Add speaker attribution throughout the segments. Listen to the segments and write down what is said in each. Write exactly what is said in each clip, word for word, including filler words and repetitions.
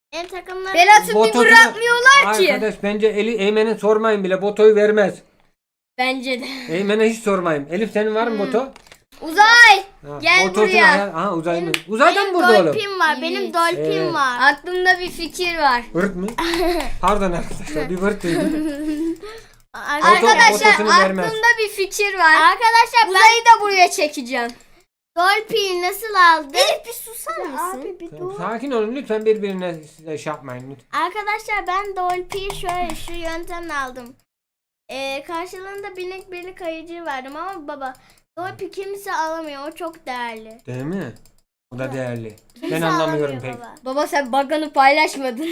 Speaker 1: Benim takımlarım...
Speaker 2: Berat'ı bir
Speaker 3: Botosunu-
Speaker 2: bırakmıyorlar ki.
Speaker 3: Arkadaş bence Eli, Eymen'e sormayın bile. Botoyu vermez.
Speaker 2: Bence de.
Speaker 3: Eymen'e hiç sormayın. Elif senin var mı boto?
Speaker 2: Uzay.
Speaker 3: Ha,
Speaker 2: Gel
Speaker 3: botosunu
Speaker 2: buraya.
Speaker 3: ayar- Ha Uzay mı? Uzay da mı
Speaker 1: Benim
Speaker 3: burada oğlum?
Speaker 1: dolphin var. Benim
Speaker 2: Evet.
Speaker 1: dolphin
Speaker 3: Evet.
Speaker 1: var.
Speaker 2: Aklımda bir fikir var.
Speaker 3: Vırt mı? Pardon arkadaşlar bir vırt duydum.
Speaker 2: Arkadaşlar
Speaker 3: botosunu vermez.
Speaker 2: aklımda bir fikir var.
Speaker 1: Arkadaşlar ben
Speaker 2: Uzay'ı da buraya çekeceğim.
Speaker 1: dolphin nasıl aldım?
Speaker 2: Elif bir susar mısın?
Speaker 1: Abi bir dur.
Speaker 3: Sakin olun lütfen birbirine size şey yapmayın lütfen.
Speaker 1: Arkadaşlar ben dolphin şöyle şu yöntemle aldım. Ee, karşılığında binek birlik kayıcı verdim ama baba dolphin kimse alamıyor. O çok değerli.
Speaker 3: Değil mi? O da değerli.
Speaker 1: Kimse
Speaker 3: Ben anlamıyorum
Speaker 1: alamıyor
Speaker 3: pek.
Speaker 1: baba.
Speaker 2: Baba sen bug'ını paylaşmadın.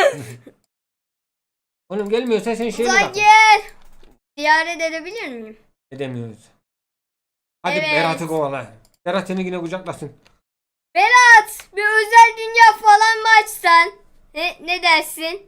Speaker 3: Oğlum gelmiyorsa sen şeyini
Speaker 2: Uzay
Speaker 3: bak.
Speaker 2: gel. Ziyaret edebilir miyim?
Speaker 3: Edemiyoruz. Hadi
Speaker 2: Evet.
Speaker 3: Berat'ı kovala. Berat seni yine kucaklasın.
Speaker 2: Berat bir özel dünya falan mı açsan? Ne, ne dersin?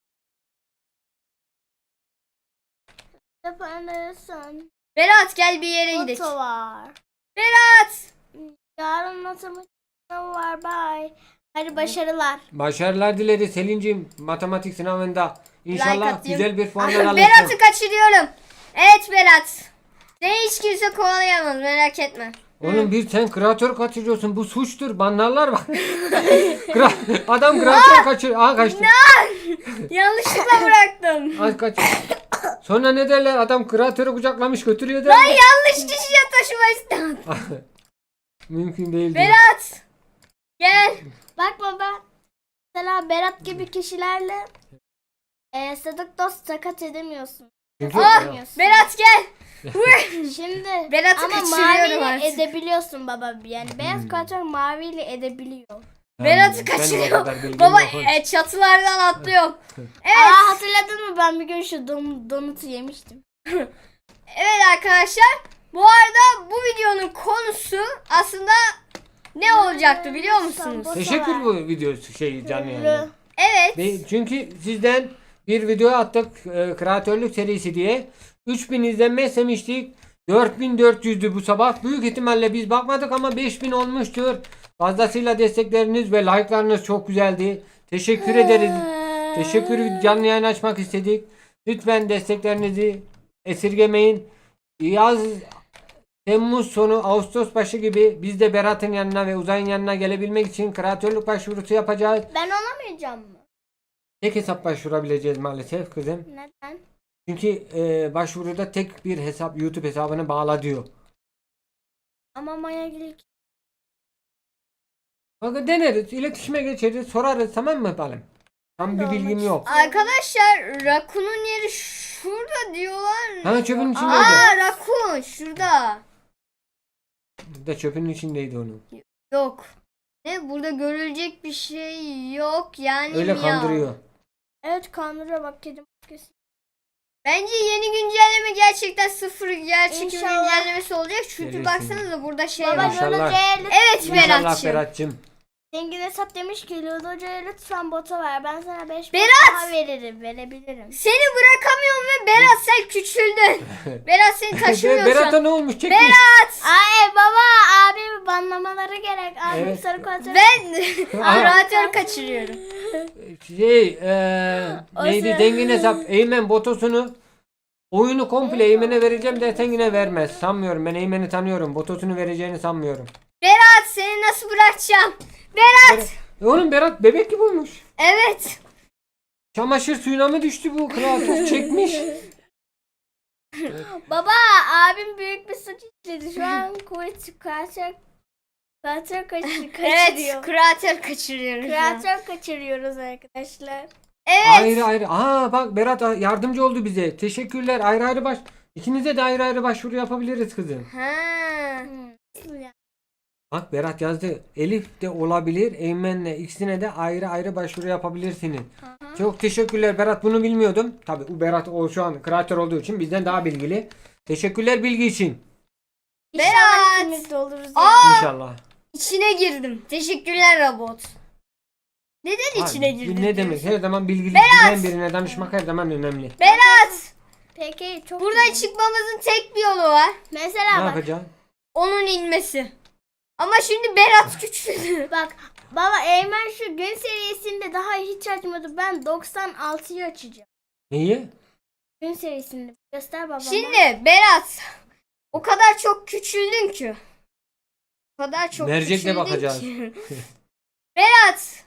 Speaker 1: Yapabilirsin.
Speaker 2: Berat gel bir yere gidelim.
Speaker 1: Foto var.
Speaker 2: Berat.
Speaker 1: Yarın matematik sınavı var. Bye. Hadi başarılar.
Speaker 3: Başarılar dileriz Selin'cim matematik sınavında.
Speaker 2: Like
Speaker 3: İnşallah
Speaker 2: atayım.
Speaker 3: güzel bir puanlar alırsın.
Speaker 2: Berat'ı kaçırıyorum. Evet Berat. Seni hiç kimse kovalayamaz merak etme.
Speaker 3: Oğlum bir sen kreatör kaçırıyorsun. Bu suçtur. Banlarlar bak. Kra- Adam kreatör kaçır. Aa kaçtı.
Speaker 2: Yanlışlıkla bıraktım.
Speaker 3: Az kaç. Sonra ne derler? Adam kreatörü kucaklamış götürüyor derler.
Speaker 2: Yanlış kişiye taşıma istedim.
Speaker 3: Mümkün değil. diyor.
Speaker 2: Berat. Gel.
Speaker 1: Bak baba. Mesela Berat gibi kişilerle e, sadık dost sakat edemiyorsun.
Speaker 3: Çünkü
Speaker 2: Ah,
Speaker 3: Ya,
Speaker 2: Berat gel.
Speaker 1: Şimdi
Speaker 2: Berat'ı
Speaker 1: ama
Speaker 2: kaçırıyorum
Speaker 1: maviyle
Speaker 2: artık.
Speaker 1: edebiliyorsun baba. Yani beyaz
Speaker 3: Hmm.
Speaker 1: kuatör maviyle edebiliyor.
Speaker 2: Berat'ı
Speaker 3: ben de o
Speaker 2: kaçırıyor.
Speaker 3: kadar bilgim
Speaker 2: Baba
Speaker 3: yok.
Speaker 2: e, çatılardan atlıyor. Evet.
Speaker 1: Aa hatırladın mı ben bir gün şu don, donutu yemiştim.
Speaker 2: Evet arkadaşlar. Bu arada bu videonun konusu aslında ne olacaktı biliyor musunuz?
Speaker 3: Teşekkür bu video şey canlı yani.
Speaker 2: Evet.
Speaker 3: Ve çünkü sizden bir video attık e, kreatörlük serisi diye. üç bin izlenme istemiştik. dört bin dört yüzdü bu sabah. Büyük ihtimalle biz bakmadık ama beş bin olmuştur. Fazlasıyla destekleriniz ve like'larınız çok güzeldi. Teşekkür ederiz. Teşekkür canlı yayın açmak istedik. Lütfen desteklerinizi esirgemeyin. Yaz Temmuz sonu Ağustos başı gibi biz de Berat'ın yanına ve Uzay'ın yanına gelebilmek için kreatörlük başvurusu yapacağız.
Speaker 1: Ben olamayacağım mı?
Speaker 3: Tek hesap başvurabileceğiz maalesef kızım.
Speaker 1: Neden?
Speaker 3: Çünkü e, başvuruda tek bir hesap YouTube hesabını bağla diyor.
Speaker 1: Ama Maya Gülük.
Speaker 3: Bakın deneriz, iletişime geçeriz, sorarız tamam mı balım? Tam bir
Speaker 1: Ben de
Speaker 3: bilgim
Speaker 1: olmak
Speaker 3: yok.
Speaker 2: Arkadaşlar Rakun'un yeri şurada diyorlar.
Speaker 3: Ha çöpün içindeydi.
Speaker 2: Aa Rakun şurada.
Speaker 3: De çöpün içindeydi onun.
Speaker 2: Yok. Ne burada görülecek bir şey yok yani.
Speaker 3: Öyle
Speaker 2: ya.
Speaker 3: kandırıyor.
Speaker 1: Evet kandırıyor bak kedim.
Speaker 2: Bence yeni güncelleme gerçekten sıfır gerçek bir
Speaker 1: İnşallah.
Speaker 2: güncellemesi olacak. Çünkü
Speaker 3: Gelirsin.
Speaker 2: baksanıza burada şey
Speaker 1: Baba
Speaker 2: var.
Speaker 3: İnşallah.
Speaker 1: Ludo'ya
Speaker 2: Evet
Speaker 3: İnşallah
Speaker 2: Berat'cığım.
Speaker 3: Berat'cığım.
Speaker 1: Zengin hesap demiş ki Ludo'ya lütfen bota ver. Ben sana beş
Speaker 2: Berat!
Speaker 1: daha veririm. Verebilirim.
Speaker 2: Seni bırakamıyorum ve Berat sen küçüldün. Berat seni taşımıyor şu
Speaker 3: Berat'a
Speaker 2: an.
Speaker 3: ne olmuş? Çekmiş.
Speaker 2: Berat.
Speaker 1: Ay baba abi banlamaları gerek. Abi
Speaker 3: Evet.
Speaker 1: sarı kuatör.
Speaker 2: Ben
Speaker 3: Aha.
Speaker 2: kreatör kaçırıyorum.
Speaker 3: Şey eee neydi
Speaker 1: sıra-
Speaker 3: zengin hesap Eymen botosunu oyunu komple Eymen'e vereceğim dersen yine vermez. Sanmıyorum ben Eymen'i tanıyorum. Botosunu vereceğini sanmıyorum.
Speaker 2: Berat seni nasıl bırakacağım? Berat.
Speaker 3: E oğlum Berat bebek gibi olmuş.
Speaker 2: Evet.
Speaker 1: Çamaşır
Speaker 3: Çamaşır suyuna mı düştü bu kreatör çekmiş.
Speaker 1: Baba abim büyük bir suç işledi. Şu an kuvvet kuatör kuatör kaçır, kaçırıyor.
Speaker 2: Evet kreatör kaçırıyorum. şu an.
Speaker 1: Kreatör kaçırıyoruz arkadaşlar.
Speaker 2: Evet.
Speaker 3: Ayrı ayrı. Aa bak Berat yardımcı oldu bize. Teşekkürler. Ayrı ayrı baş. İkinize de ayrı ayrı başvuru yapabiliriz kızım.
Speaker 2: Ha.
Speaker 1: Hmm. Nasıl ya?
Speaker 3: Bak Berat yazdı. Elif de olabilir. Eymen'le ikisine de ayrı ayrı başvuru yapabilirsiniz.
Speaker 1: Aha.
Speaker 3: Çok teşekkürler Berat bunu bilmiyordum. Tabi bu Berat o şu an kreatör olduğu için bizden daha bilgili. Teşekkürler bilgi için.
Speaker 1: İnşallah
Speaker 2: Berat!
Speaker 1: ikimiz de oluruz. ya.
Speaker 2: Aa,
Speaker 3: İnşallah.
Speaker 2: içine girdim. Teşekkürler robot. Neden içine
Speaker 3: Abi,
Speaker 2: girdin?
Speaker 3: Ne demek? Her zaman bilgili
Speaker 2: Berat!
Speaker 3: bilen birine danışmak her zaman önemli.
Speaker 2: Berat.
Speaker 1: Peki çok
Speaker 2: Buradan
Speaker 1: güzel.
Speaker 2: çıkmamızın tek bir yolu var.
Speaker 3: Ne
Speaker 1: Mesela bak.
Speaker 3: yapacaksın?
Speaker 2: Onun inmesi. Ama şimdi Berat küçüldü.
Speaker 1: Bak Baba Eymen şu gün serisinde daha hiç açmadı. Ben doksan altıyı açacağım.
Speaker 3: Neyi?
Speaker 1: Gün serisinde. Göster babama.
Speaker 2: Şimdi Berat, o kadar çok küçüldün ki. O kadar çok
Speaker 3: Mercekle
Speaker 2: küçüldün
Speaker 3: bakacağız.
Speaker 2: ki. Berat.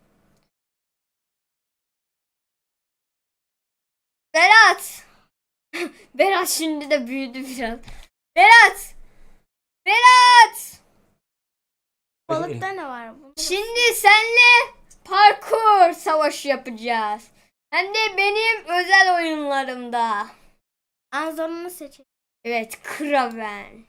Speaker 2: Berat. Berat şimdi de büyüdü biraz. Berat. Berat.
Speaker 1: Balıkta ne var? Bunda?
Speaker 2: Şimdi senle parkur savaşı yapacağız. Hem de benim özel oyunlarımda.
Speaker 1: Anzorunu seçelim.
Speaker 2: Evet, Kraven.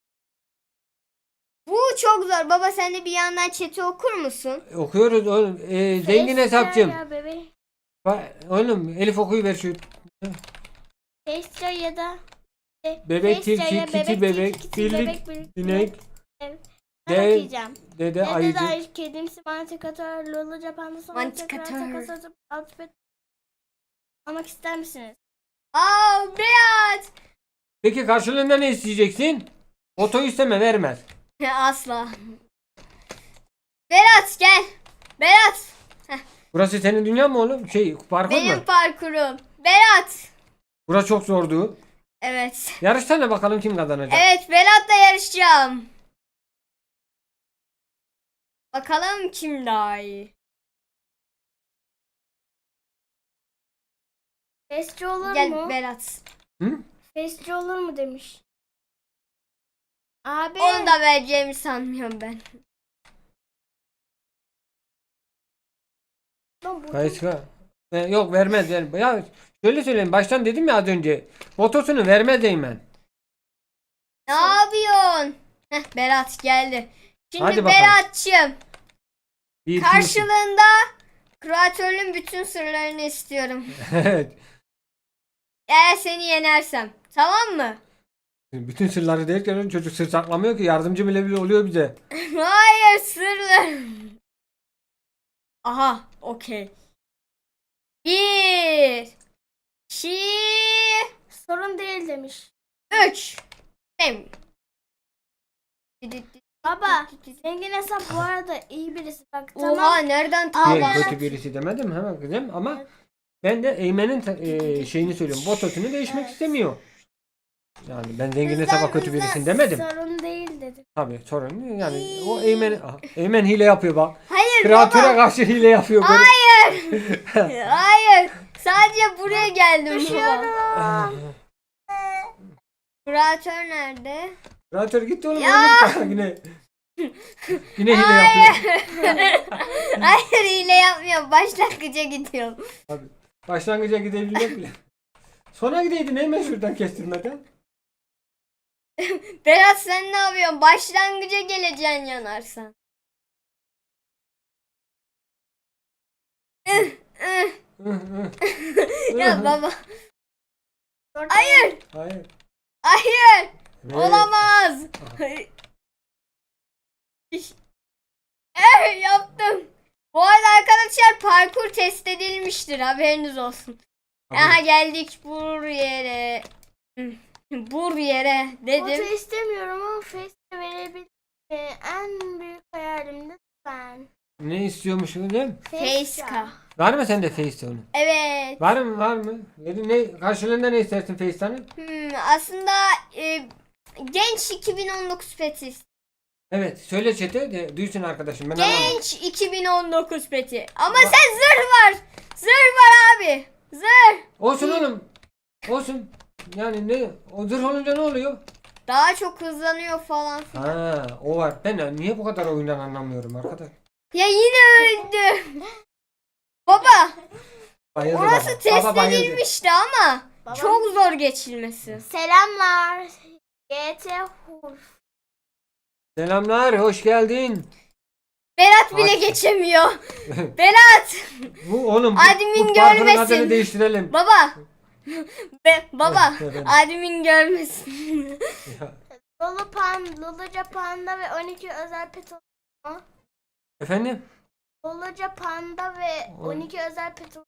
Speaker 2: Bu çok zor. Baba sen de bir yandan chat'i okur musun?
Speaker 3: Okuyoruz oğlum. Ee, zengin hesapçım.
Speaker 1: Ya bebeğim.
Speaker 3: Bak, oğlum Elif okuyuver şu.
Speaker 1: Pestra ya da
Speaker 3: Bebek,
Speaker 1: Pestra
Speaker 3: tilki,
Speaker 1: ya
Speaker 3: kiti,
Speaker 1: bebek,
Speaker 3: bebek,
Speaker 1: tilki, kiti,
Speaker 3: birlik,
Speaker 1: bebek, birlik,
Speaker 3: sinek,
Speaker 1: evet.
Speaker 3: dev,
Speaker 1: Ben okuyacağım.
Speaker 3: dede,
Speaker 1: Dede
Speaker 3: ayıcı.
Speaker 1: dair kedimsi mantikatör, lulu japanlı sonra
Speaker 2: Mantikatör.
Speaker 1: tekrar takasatı outfit almak ister misiniz?
Speaker 2: Aa, Berat.
Speaker 3: Peki karşılığında ne isteyeceksin? Oto isteme, vermez.
Speaker 2: Asla. Berat gel. Berat.
Speaker 3: Burası senin dünya mı oğlum? Şey, parkur
Speaker 2: Benim
Speaker 3: mu?
Speaker 2: parkurum. Berat.
Speaker 3: Burası çok zordu.
Speaker 2: Evet.
Speaker 3: Yarışsana bakalım kim kazanacak.
Speaker 2: Evet, Berat'la yarışacağım. Bakalım kim daha iyi.
Speaker 1: Fesçi olur
Speaker 2: Gel
Speaker 1: mu?
Speaker 2: Berat.
Speaker 3: Hı?
Speaker 1: Fesçi olur mu demiş. Abi.
Speaker 2: Onu da vereceğimi sanmıyorum ben.
Speaker 1: Lan bu-
Speaker 3: Kayıska. Ee, yok vermez yani. Ya şöyle söyleyeyim, baştan dedim ya az önce. Otosunu vermez Eymen.
Speaker 2: Ne yapıyorsun? Heh, Berat geldi. Şimdi
Speaker 3: Hadi bakalım.
Speaker 2: Berat'cığım,
Speaker 3: Bir, iki,
Speaker 2: karşılığında kreatörlüğün bütün sırlarını istiyorum.
Speaker 3: üç. Evet.
Speaker 2: Eğer seni yenersem. Tamam mı?
Speaker 3: Bütün sırları derken çocuk sır saklamıyor ki, yardımcı bile bile oluyor bize.
Speaker 2: Hayır, sırlar. Aha, okey. Bir, iki,
Speaker 1: Sorun değil demiş.
Speaker 2: üç. Dem.
Speaker 1: Baba zengin hesap bu arada iyi birisi. Bak
Speaker 2: Oha,
Speaker 1: tamam.
Speaker 2: nereden
Speaker 3: Değil,
Speaker 1: Aa,
Speaker 3: kötü birisi demedim hemen kızım ama ben de Eymen'in e, şeyini söylüyorum. Botosunu değişmek istemiyor. Yani ben zengin hesaba kötü birisin demedim.
Speaker 1: Sorun değil dedi.
Speaker 3: Tabii sorun yani o Eymen Aha, Eymen hile yapıyor bak.
Speaker 2: Hayır
Speaker 3: Kreatöre
Speaker 2: baba.
Speaker 3: karşı hile yapıyor böyle.
Speaker 2: Hayır. Hayır. Sadece buraya geldim baba. Kreatör nerede?
Speaker 3: Kreatör gitti oğlum.
Speaker 2: Ya!
Speaker 3: oğlum. Yine yine hile yapıyor.
Speaker 2: Hayır, hile yapmıyorum. Başlangıca gidiyorum.
Speaker 3: Abi, başlangıca gidebilmek bile. Sona gideydin hemen şuradan kestirmeden.
Speaker 2: Berat sen ne yapıyorsun? Başlangıca geleceksin yanarsan. Ih, ih. Ya baba.
Speaker 1: Sorun
Speaker 2: Hayır.
Speaker 3: Hayır.
Speaker 2: Hayır.
Speaker 3: Ve-
Speaker 2: Olamaz. Eh, yaptım. Bu arada arkadaşlar parkur test edilmiştir. Haberiniz olsun.
Speaker 3: Abi,
Speaker 2: Aha geldik buraya. Buraya
Speaker 1: değil. Foto
Speaker 2: dedim.
Speaker 1: istemiyorum ama Face'e verebilirim. Ee, en büyük hayalim de ben.
Speaker 3: ne istiyormuşsun değil mi?
Speaker 2: Faceka.
Speaker 3: Var mı sende Face onu?
Speaker 2: Evet.
Speaker 3: Var mı var mı? Ne, ne karşılığında ne istersin Face'tanın?
Speaker 2: Hmm, aslında e, genç iki bin on dokuz peti.
Speaker 3: Evet söyle chat'e de duysun arkadaşım ben anlamadım.
Speaker 2: Genç iki bin on dokuz peti. Ama sen zırh var. Zırh var abi. Zırh.
Speaker 3: Olsun oğlum. Olsun. Yani ne? O zırh olunca ne oluyor?
Speaker 2: Daha çok hızlanıyor falan filan.
Speaker 3: Ha, o var. Ben niye bu kadar oyundan anlamıyorum arkadaş?
Speaker 2: Ya yine öldü. Baba,
Speaker 3: Bayıldı
Speaker 2: orası
Speaker 3: baba.
Speaker 2: test
Speaker 3: Baba bayıldı.
Speaker 2: edilmişti ama
Speaker 1: Babam-
Speaker 2: çok zor geçilmesi.
Speaker 1: Selamlar. G T Hur.
Speaker 3: Selamlar, hoş geldin.
Speaker 2: Berat bile
Speaker 3: Aç.
Speaker 2: geçemiyor. Berat.
Speaker 3: Bu oğlum bu,
Speaker 2: Admin
Speaker 3: bu parkurun
Speaker 2: görmesin.
Speaker 3: adını değiştirelim.
Speaker 2: Baba. Be, baba.
Speaker 3: Efendim?
Speaker 2: Admin görmesin.
Speaker 3: Ya,
Speaker 1: Lulu Pan, Luluca Panda ve on iki özel pet olur mu?
Speaker 3: efendim?
Speaker 1: Luluca Panda ve
Speaker 3: Oy.
Speaker 1: on iki özel pet olur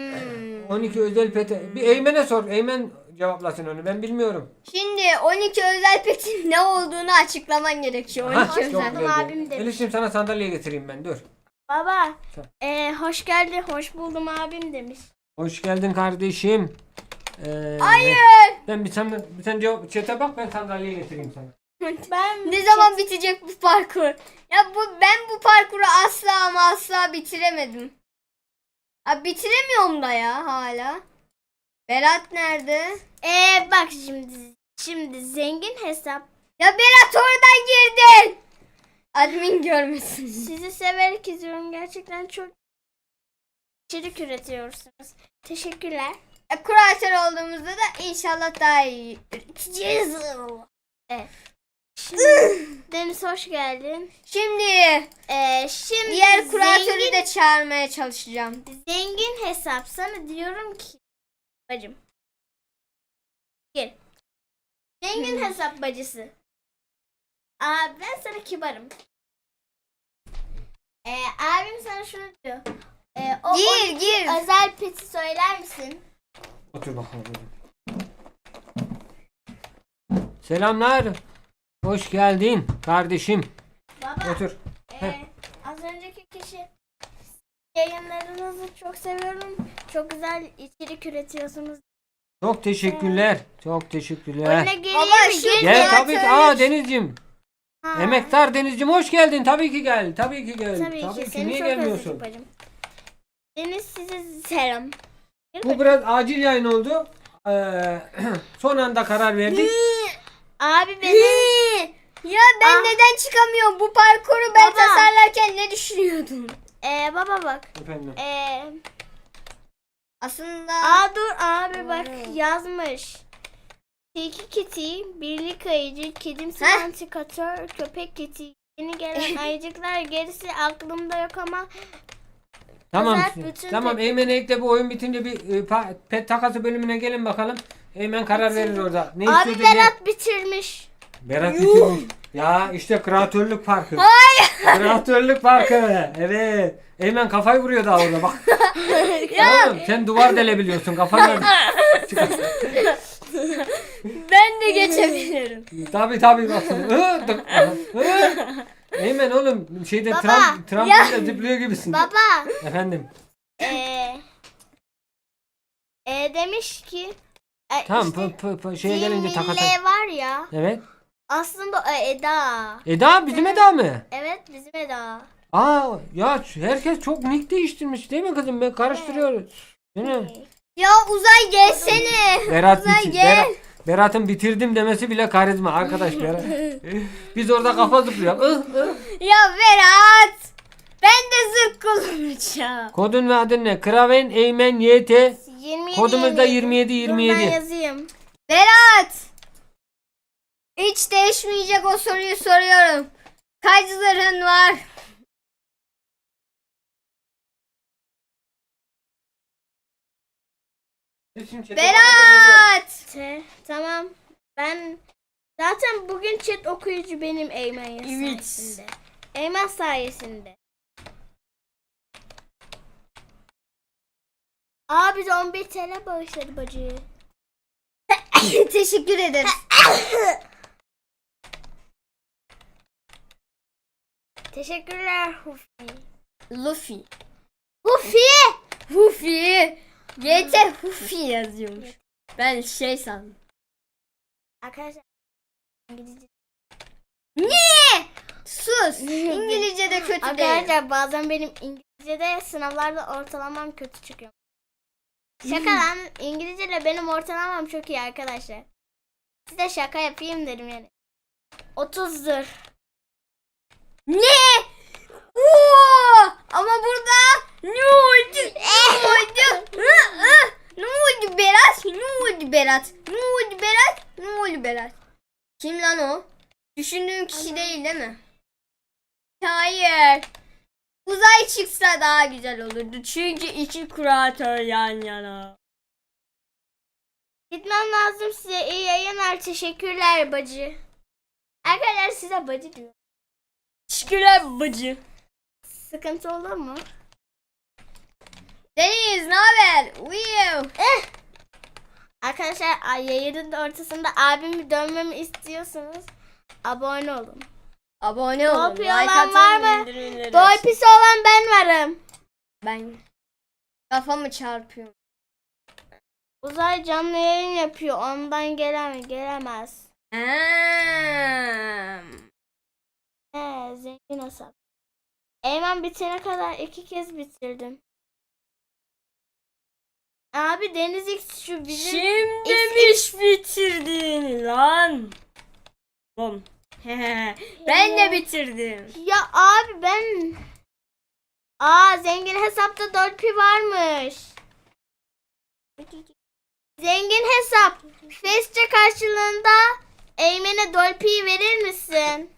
Speaker 2: Hmm.
Speaker 3: on iki özel pete. Bir Eymen'e sor. Eymen cevaplasın onu. Ben bilmiyorum.
Speaker 2: Şimdi on iki özel petin ne olduğunu açıklaman gerekiyor.
Speaker 3: Hah,
Speaker 2: on iki
Speaker 3: çok
Speaker 2: özel.
Speaker 1: buldum
Speaker 3: güzel.
Speaker 1: abim demiş.
Speaker 3: Elif'ciğim sana sandalye getireyim ben. Dur.
Speaker 1: Baba.
Speaker 3: Tamam.
Speaker 1: E, hoş geldin. Hoş buldum abim demiş.
Speaker 3: Hoş geldin kardeşim. Ee,
Speaker 2: Hayır.
Speaker 3: Ben bir sen bir sen cevap chat'e bak, ben sandalye getireyim sana.
Speaker 1: Ben
Speaker 2: Ne zaman bitecek bu parkur? Ya bu ben bu parkuru asla ama asla bitiremedim. Ha, bitiremiyorum da ya hala. Berat nerede?
Speaker 1: E, bak şimdi şimdi zengin hesap
Speaker 2: Ya Berat oradan girdin. Admin görmesin.
Speaker 1: sizi severek izliyorum. Gerçekten çok içerik üretiyorsunuz. Teşekkürler.
Speaker 2: E, kuratör olduğumuzda da inşallah daha iyi üreteceğiz.
Speaker 1: Evet. Şimdi, Deniz hoş geldin.
Speaker 2: Şimdi
Speaker 1: Ee, şimdi
Speaker 2: diğer kuratörü
Speaker 1: zengin,
Speaker 2: de çağırmaya çalışacağım.
Speaker 1: zengin hesap sana diyorum ki bacım. Gel. Zengin
Speaker 2: Hmm.
Speaker 1: hesap bacısı. Aa, ben sana kibarım. Ee, abim sana şunu diyor. Ee, o
Speaker 2: Gir,
Speaker 1: on iki
Speaker 2: gir.
Speaker 1: özel peti söyler misin?
Speaker 3: Otur bakalım. Selamlar. Hoş geldin kardeşim.
Speaker 1: Baba.
Speaker 3: Otur.
Speaker 1: Ee, az önceki kişi yayınlarınızı çok seviyorum. Çok güzel içerik üretiyorsunuz.
Speaker 3: Çok teşekkürler. Çok teşekkürler.
Speaker 1: Oyuna geleyim
Speaker 2: Baba,
Speaker 1: mi?
Speaker 2: şimdi-
Speaker 3: Gel
Speaker 2: Kuratörlük-
Speaker 3: tabii ki. Aa Denizciğim.
Speaker 1: Ha.
Speaker 3: Emektar Denizciğim hoş geldin. Tabii ki gel. Tabii ki gel.
Speaker 1: Tabii,
Speaker 3: Tabii
Speaker 1: ki.
Speaker 3: ki.
Speaker 1: Seni
Speaker 3: Niye
Speaker 1: çok
Speaker 3: gelmiyorsun?
Speaker 1: özledik bacım. Deniz size selam. Gel
Speaker 3: Bu
Speaker 1: bakayım.
Speaker 3: biraz acil yayın oldu. Ee, son anda karar verdik.
Speaker 1: Abi beni
Speaker 2: Ya ben
Speaker 1: Ah.
Speaker 2: neden çıkamıyorum? Bu parkuru ben
Speaker 1: Baba.
Speaker 2: tasarlarken ne düşünüyordun?
Speaker 1: ee, baba bak.
Speaker 3: Efendim.
Speaker 1: Ee,
Speaker 2: Aslında
Speaker 1: aa dur abi bak
Speaker 2: Doğru.
Speaker 1: yazmış. Tilki kiti, birlik ayıcı, kedimsi
Speaker 2: Heh.
Speaker 1: antikatör, köpek kiti. Yeni gelen ayıcıklar gerisi aklımda yok ama
Speaker 3: Tamam.
Speaker 1: Özel bütün
Speaker 3: Tamam
Speaker 1: pet-
Speaker 3: Eymen'e ekle, bu oyun bitince bir e, pa- pet takası bölümüne gelin bakalım. Eymen karar verir orada. Ne
Speaker 1: abi
Speaker 3: istiyordu, ne-
Speaker 1: Berat bitirmiş.
Speaker 3: Berat bitirmiş. Ya işte kreatörlük farkı. Hayır. Kreatörlük farkı. Evet. Eymen kafayı vuruyor daha orada bak. Oğlum sen duvar delebiliyorsun kafanla.
Speaker 2: ben de geçebilirim.
Speaker 3: Tabii tabii bak. Hı, tık, hı. Eymen oğlum şeyde
Speaker 1: Baba,
Speaker 3: tram, trambolde zıplıyor gibisin.
Speaker 1: Baba
Speaker 3: Efendim.
Speaker 1: ee, ee, demiş ki e,
Speaker 3: Tamam
Speaker 1: işte
Speaker 3: p- p- p- şeye gelince takata.
Speaker 1: Cemile var ya
Speaker 3: Evet.
Speaker 1: aslında o Eda.
Speaker 3: Eda bizim Eda mı?
Speaker 1: Evet bizim Eda.
Speaker 3: Aa ya herkes çok nick değiştirmiş değil mi kızım? Ben karıştırıyoruz. Değil mi?
Speaker 2: Ya Uzay gelsene.
Speaker 3: Berat,
Speaker 2: Uzay
Speaker 3: bitir-
Speaker 2: gel.
Speaker 3: Berat- Berat'ın bitirdim demesi bile karizma arkadaş Berat. Biz orada kafa zıplıyoruz. Ih, ih.
Speaker 2: Ya Berat. Ben de zırh kullanacağım.
Speaker 3: Kodun ve adın ne? Kraven Eymen Y T.
Speaker 1: yirmi yedi,
Speaker 3: Kodumuz da yirmi yedi
Speaker 1: Dur
Speaker 3: yirmi
Speaker 1: ben
Speaker 3: yedi.
Speaker 1: yazayım.
Speaker 2: Berat. Hiç değişmeyecek o soruyu soruyorum. Kaç zırhın var? Berat.
Speaker 1: T, tamam. Ben zaten bugün chat okuyucu benim Eymen
Speaker 2: Evet.
Speaker 1: sayesinde. Eymen sayesinde. Aa bize on bir T L bağışladı bacı.
Speaker 2: Teşekkür ederim.
Speaker 1: Teşekkürler Hufi.
Speaker 2: Luffy.
Speaker 1: Hufi!
Speaker 2: Hufi. G T Hufi yazıyormuş. Ben şey sandım.
Speaker 1: Arkadaşlar İngilizce.
Speaker 2: Ne? Sus. İngilizce de kötü değil.
Speaker 1: Arkadaşlar bazen benim İngilizce'de sınavlarda ortalamam kötü çıkıyor. Şaka lan, İngilizce'de benim ortalamam çok iyi arkadaşlar. Size şaka yapayım dedim yani. otuzdur.
Speaker 2: Ne? Oo! Ama burada ne oldu? Ne oldu? Hı, hı. Ne oldu Berat? Ne oldu Berat? Ne oldu Berat? Ne oldu Berat? Kim lan o? Düşündüğüm kişi değil değil mi? Hayır. Uzay çıksa daha güzel olurdu. Çünkü iki kuratör yan yana.
Speaker 1: Gitmem lazım size. İyi yayınlar. Teşekkürler bacı. Arkadaşlar size bacı diyor.
Speaker 2: Teşekkürler bacı.
Speaker 1: Sıkıntı olur mu?
Speaker 2: Deniz ne haber? Uyuyor.
Speaker 1: Arkadaşlar ay- yayının ortasında abimi dönmemi istiyorsanız abone olun.
Speaker 2: Abone olun.
Speaker 1: Dolpi
Speaker 2: Like
Speaker 1: olan var
Speaker 2: atın.
Speaker 1: mı?
Speaker 2: bildirimleri açın.
Speaker 1: Dolpisi olan ben varım.
Speaker 2: Ben kafamı çarpıyorum.
Speaker 1: Uzay canlı yayın yapıyor. Ondan gelemez. Gelemez.
Speaker 2: Hmm.
Speaker 1: He, zengin hesap. Eymen bitene kadar iki kez bitirdim. Abi Deniz X şu bizim
Speaker 2: Şimdi
Speaker 1: X-
Speaker 2: mi bitirdin lan? Bom. Ben de bitirdim.
Speaker 1: Ya abi ben Aa zengin hesapta Dolpi varmış. Zengin hesap. Fesçe karşılığında Eymen'e Dolpi'yi verir misin?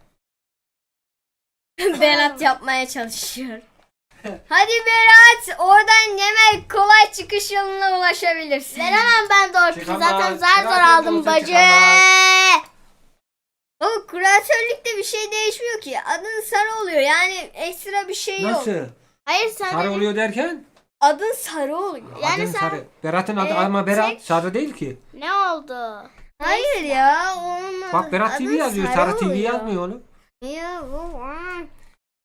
Speaker 2: Berat yapmaya çalışıyor. Hadi Berat, oradan hemen kolay çıkış yoluna ulaşabilirsin.
Speaker 1: Veremem ben Dolpi'yi.
Speaker 3: Çıkamaz.
Speaker 1: Zaten zar zor
Speaker 3: Kıyafet
Speaker 1: aldım
Speaker 3: olsa
Speaker 1: bacı.
Speaker 3: çıkamaz.
Speaker 2: O kuratörlükte bir şey değişmiyor ki. Adın sarı oluyor. Yani ekstra bir şey yok.
Speaker 3: Nasıl?
Speaker 1: Hayır sen
Speaker 3: Sarı oluyor derken?
Speaker 2: Adın sarı oluyor.
Speaker 1: Yani
Speaker 3: Adın
Speaker 1: sen-
Speaker 3: sarı. Berat'ın adı
Speaker 1: Ee,
Speaker 3: ama Berat
Speaker 1: tek-
Speaker 3: sarı değil ki.
Speaker 1: Ne oldu?
Speaker 2: Hayır ya. Onun
Speaker 3: Bak Berat T V
Speaker 2: adın
Speaker 3: yazıyor.
Speaker 2: sarı
Speaker 3: Sarı T V
Speaker 2: oluyor.
Speaker 3: yazmıyor oğlum.
Speaker 2: Ya bu.